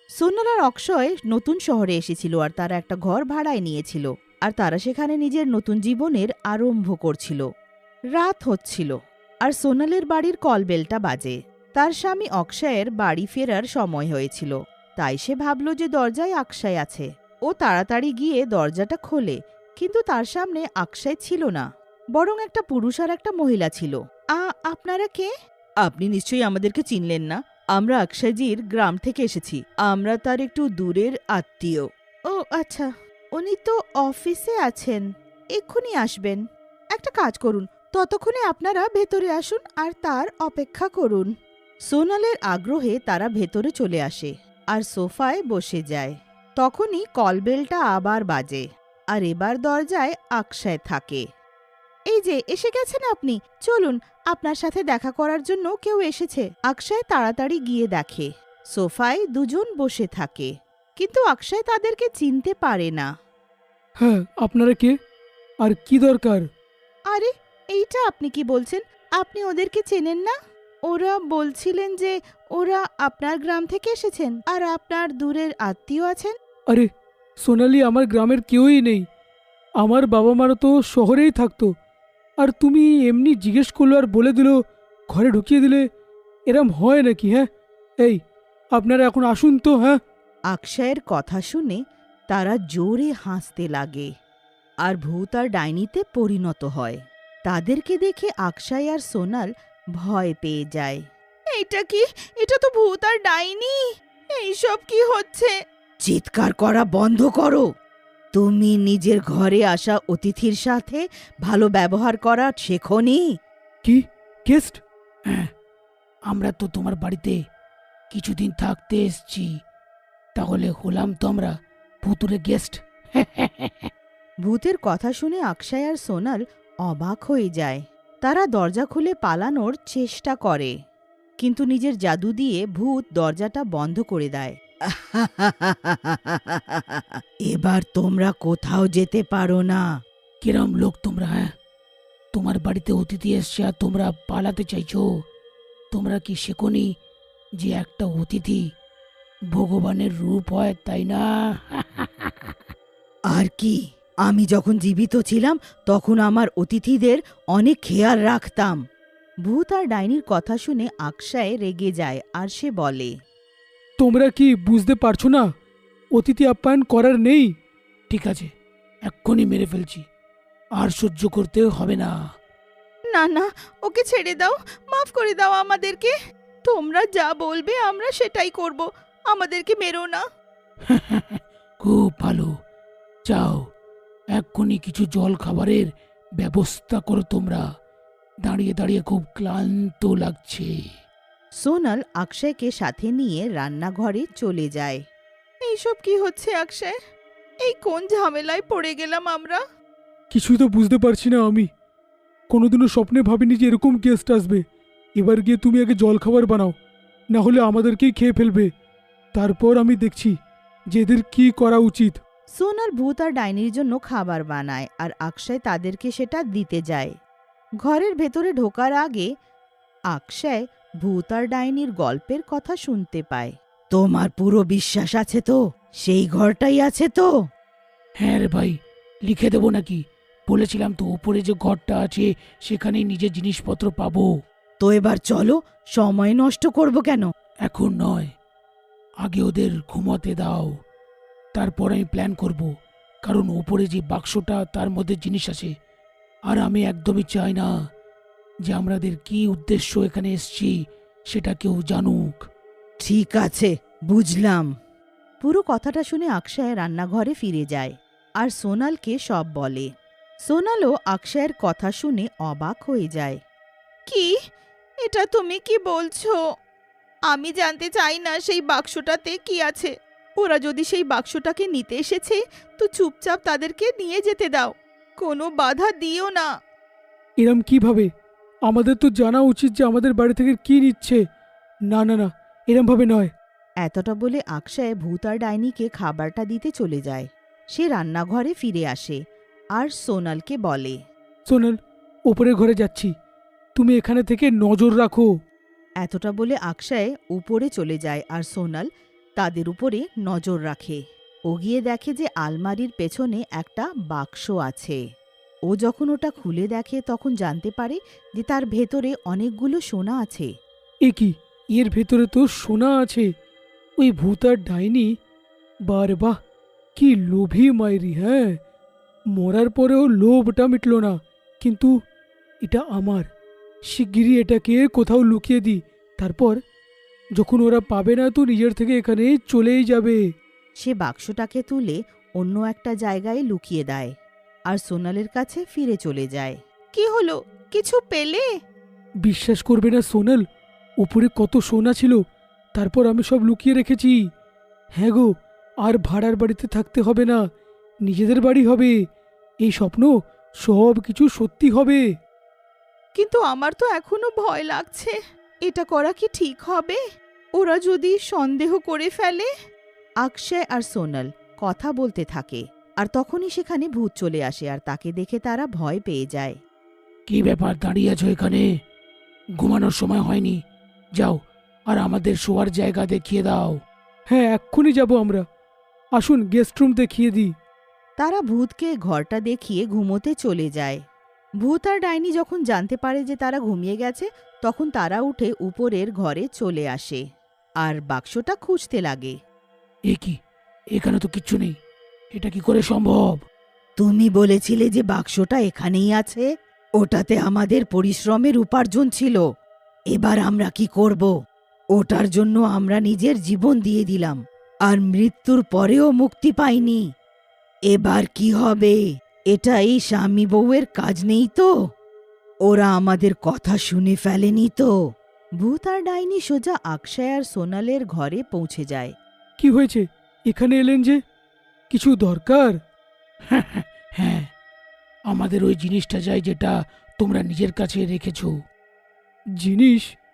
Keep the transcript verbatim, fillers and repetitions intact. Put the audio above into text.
সোনাল আর অক্ষয় নতুন শহরে এসেছিল আর তারা একটা ঘর ভাড়ায় নিয়েছিল আর তারা সেখানে নিজের নতুন জীবনের আরম্ভ করছিল। রাত হচ্ছিল আর সোনালের বাড়ির কলবেলটা বাজে। তার স্বামী অক্ষয়ের বাড়ি ফেরার সময় হয়েছিল, তাই সে ভাবল যে দরজায় অক্ষয় আছে। ও তাড়াতাড়ি গিয়ে দরজাটা খোলে, কিন্তু তার সামনে অক্ষয় ছিল না, বরং একটা পুরুষ আর একটা মহিলা ছিল। আ আপনারা কে? আপনি নিশ্চয়ই আমাদেরকে চিনলেন না। আমরা অক্ষয়জির গ্রাম থেকে এসেছি। আমরা তার একটু দূরের আত্মীয়। ও আচ্ছা, উনি তো অফিসে আছেন, এক্ষুনি আসবেন। একটা কাজ করুন, ততক্ষণে আপনারা ভেতরে আসুন আর তার অপেক্ষা করুন। সোনালের আগ্রহে তারা ভেতরে চলে আসে আর সোফায় বসে যায়। তখনই কলবেলটা আবার বাজে আর এবার দরজায় অক্ষয় থাকে। এই যে এসে গেছেন আপনি, চলুন, আপনার সাথে দেখা করার জন্য কেউ এসেছে। অক্ষয় তাড়াতাড়ি গিয়ে দেখে সোফায় দুজন বসে থাকে, কিন্তু অক্ষয় তাদেরকে চিনতে পারে না। হ্যাঁ, আপনারা কে আর কি দরকার? আরে, এইটা আপনি কি বলছেন? আপনি ওদেরকে চেনেন না? ওরা বলছিলেন যে ওরা আপনার গ্রাম থেকে এসেছেন আর আপনার দূরের আত্মীয় আছেন। আরে সোনালি, আমার গ্রামের কেউই নেই। আমার বাবা মারা তো শহরেই থাকতো, আর তুমি এমনি জিজ্ঞেস করলো আর বলে দিল, ঘরে ঢুকিয়ে দিলে। এরম হয় নাকি? হ্যাঁ, এই আপনারা এখন আসুন তো। হ্যাঁ, অক্ষয়ের কথা শুনে তারা জোরে হাসতে লাগে আর ভূত আর ডাইনিতে পরিণত হয়। তাদেরকে দেখে অক্ষয় আর সোনাল ভয় পেয়ে যায়। এটা কি? এটা তো ভূত আর ডাইনি! এইসব কি হচ্ছে? চিৎকার করা বন্ধ করো। তুমি নিজের ঘরে আসা অতিথির সাথে ভালো ব্যবহার করা শেখোনি? কি গেস্ট? হ্যাঁ, আমরা তো তোমার বাড়িতে কিছুদিন থাকতে এসছি, তাহলে হলাম তো আমরা ভুতুরে গেস্ট? ভূতের কথা শুনে অক্ষয় আর সোনাল অবাক হয়ে যায়। তারা দরজা খুলে পালানোর চেষ্টা করে, কিন্তু নিজের জাদু দিয়ে ভূত দরজাটা বন্ধ করে দেয়। এবার তোমরা কোথাও যেতে পারো না। কিরম লোক তোমরা? হ্যাঁ, তোমার বাড়িতে অতিথি এসছে আর তোমরা পালাতে চাইছো? তোমরা কি শেখোনি যে একটা অতিথি ভগবানের রূপ হয়, তাই না? আর কি, আমি যখন জীবিত ছিলাম তখন আমার অতিথিদের অনেক খেয়াল রাখতাম। ভূত আর ডাইনির কথা শুনে অক্ষয় রেগে যায় আর সে বলে, তোমরা কি বুঝতে পারছো না? অতিথি আপ্যায়ন করার নেই। ঠিক আছে, এক্ষুনি মেরে ফেলছি, আর সহ্য করতে হবে না। না না, ওকে ছেড়ে দাও, মাফ করে দাও আমাদেরকে। তোমরা যা বলবে আমরা সেটাই করব, আমাদেরকে মেরো না। খুব ভালো, যাও এক্ষুনি কিছু জল খাবারের ব্যবস্থা করো। তোমরা দাঁড়িয়ে দাঁড়িয়ে খুব ক্লান্ত লাগছে। সোনাল অক্ষয়কে সাথে নিয়ে রান্নাঘরে চলে যায়। এইসব কি হচ্ছে অক্ষয়? এই কোন ঝামেলায় পড়ে গেলাম আমরা? কিছুই তো বুঝতে পারছি না আমি। কোনোদিনও স্বপ্নে ভাবিনি যে এরকম গেস্ট আসবে। এবার গিয়ে তুমি আগে জল খাবার বানাও, না হলে আমাদেরকেই খেয়ে ফেলবে। তারপর আমি দেখছি যে এদের কি করা উচিত। সোনাল ভূত আর ডাইনির জন্য খাবার বানায় আর অক্ষয় তাদেরকে সেটা দিতে যায়। ঘরের ভেতরে ঢোকার আগে অক্ষয় ভূত আর ডাইনির গল্পের কথা শুনতে পায়। তোমার পুরো বিশ্বাস আছে তো? সেই ঘরটাই আছে তো? হ্যাঁ রে ভাই, লিখে দেবো নাকি? বলেছিলাম তো, উপরে যে ঘরটা আছে সেখানেই নিজের জিনিসপত্র পাবো। তো এবার চলো, সময় নষ্ট করব কেন? এখন নয়, আগে ওদের ঘুমাতে দাও, তারপর আমি প্ল্যান করব। কারণ ওপরে যে বাক্সটা, তার মধ্যে জিনিস আছে, আর আমি একদমই চাই না যে আমাদের কি উদ্দেশ্য এখানে এসছি সেটা কেউ জানুক। ঠিক আছে, বুঝলাম। পুরো কথাটা শুনে অক্ষয় রান্নাঘরে ফিরে যায় আর সোনালকে সব বলে। সোনালও অক্ষয়ের কথা শুনে অবাক হয়ে যায়। কি? এটা তুমি কি বলছো? আমি জানতে চাই না সেই বাক্সটাতে কি আছে। ওরা যদি সেই বাক্সটাকে নিতে এসেছে তো চুপচাপ তাদেরকে নিয়ে যেতে দাও, কোনো বাধা দিও না। এরম কিভাবে? আমাদের তো জানা উচিত যে আমাদের বাড়ি থেকে কি নিচ্ছে। না না না, এরম ভাবে নয়। এতটা বলে অক্ষয় ভূত আর ডাইনিকে খাবারটা দিতে চলে যায়। সে রান্নাঘরে ফিরে আসে আর সোনালকে বলে, সোনাল, ওপরের ঘরে যাচ্ছি, তুমি এখানে থেকে নজর রাখো। এতটা বলে অক্ষয় উপরে চলে যায় আর সোনাল তাদের উপরে নজর রাখে। ও গিয়ে দেখে যে আলমারির পেছনে একটা বাক্স আছে। ও যখন ওটা খুলে দেখে তখন জানতে পারে যে তার ভেতরে অনেকগুলো সোনা আছে। এ কি, এর ভেতরে তো সোনা আছে! ওই ভূত আর ডাইনি, বারে বাহ, কি লোভী মাইরি! হ্যাঁ, মরার পরেও লোভটা মিটল না। কিন্তু এটা আমার, শিগগিরই এটাকে কোথাও লুকিয়ে দিই, তারপর যখন ওরা পাবে না তো নিজের থেকে এখানে চলেই যাবে। সে বাক্সটাকে তুলে অন্য একটা জায়গায় লুকিয়ে দেয় আর সোনালের কাছে ফিরে চলে যায়। কি হলো, কিছু পেলে? বিশ্বাস করবে না সোনাল, উপরে কত সোনা ছিল, তারপর আমি সব লুকিয়ে রেখেছি। হ্যাঁ গো, আর ভাড়ার বাড়িতে থাকতে হবে না, নিজেদের বাড়ি হবে। এই স্বপ্ন সব কিছু সত্যি হবে। কিন্তু আমার তো এখনো ভয় লাগছে। এটা করা কি ঠিক হবে? ওরা যদি সন্দেহ করে ফেলে? অক্ষয় আর সোনাল কথা বলতে থাকে আর তখনই সেখানে ভূত চলে আসে আর তাকে দেখে তারা ভয় পেয়ে যায়। কি ব্যাপার, দাঁড়িয়ে আছো এখানে? ঘুমানোর সময় হয়নি? যাও আর আমাদের শোয়ার জায়গা দেখিয়ে দাও। হ্যাঁ, এক্ষুনি যাব আমরা। আসুন গেস্ট রুম দেখিয়ে দিই। তারা ভূতকে ঘরটা দেখিয়ে ঘুমোতে চলে যায়। ভূত আর ডাইনি যখন জানতে পারে যে তারা ঘুমিয়ে গেছে তখন তারা উঠে উপরের ঘরে চলে আসে আর বাক্সটা খুঁজতে লাগে। এ কি, এখানে তো কিচ্ছু নেই, এটা কি করে সম্ভব? তুমি বলেছিলে যে বাক্সটা এখানেই আছে, ওটাতে আমাদের পরিশ্রমের উপার্জন ছিল। এবার আমরা কি করব? ওটার জন্য আমরা নিজের জীবন দিয়ে দিলাম আর মৃত্যুর পরেও মুক্তি পাইনি। এবার কি হবে? এটা এই স্বামী বউয়ের কাজ নেই তো? ওরা আমাদের কথা শুনে ফেলেনি তো? ভূত আর ডাইনি সোজা অক্ষয় আর সোনালের ঘরে পৌঁছে যায়। কি হয়েছে, এখানে এলেন যে? কিছু দরকার? হ্যাঁ, আমাদের ওই জিনিসটা চাই যেটা তোমরা নিজের কাছে রেখেছো। জিনিস?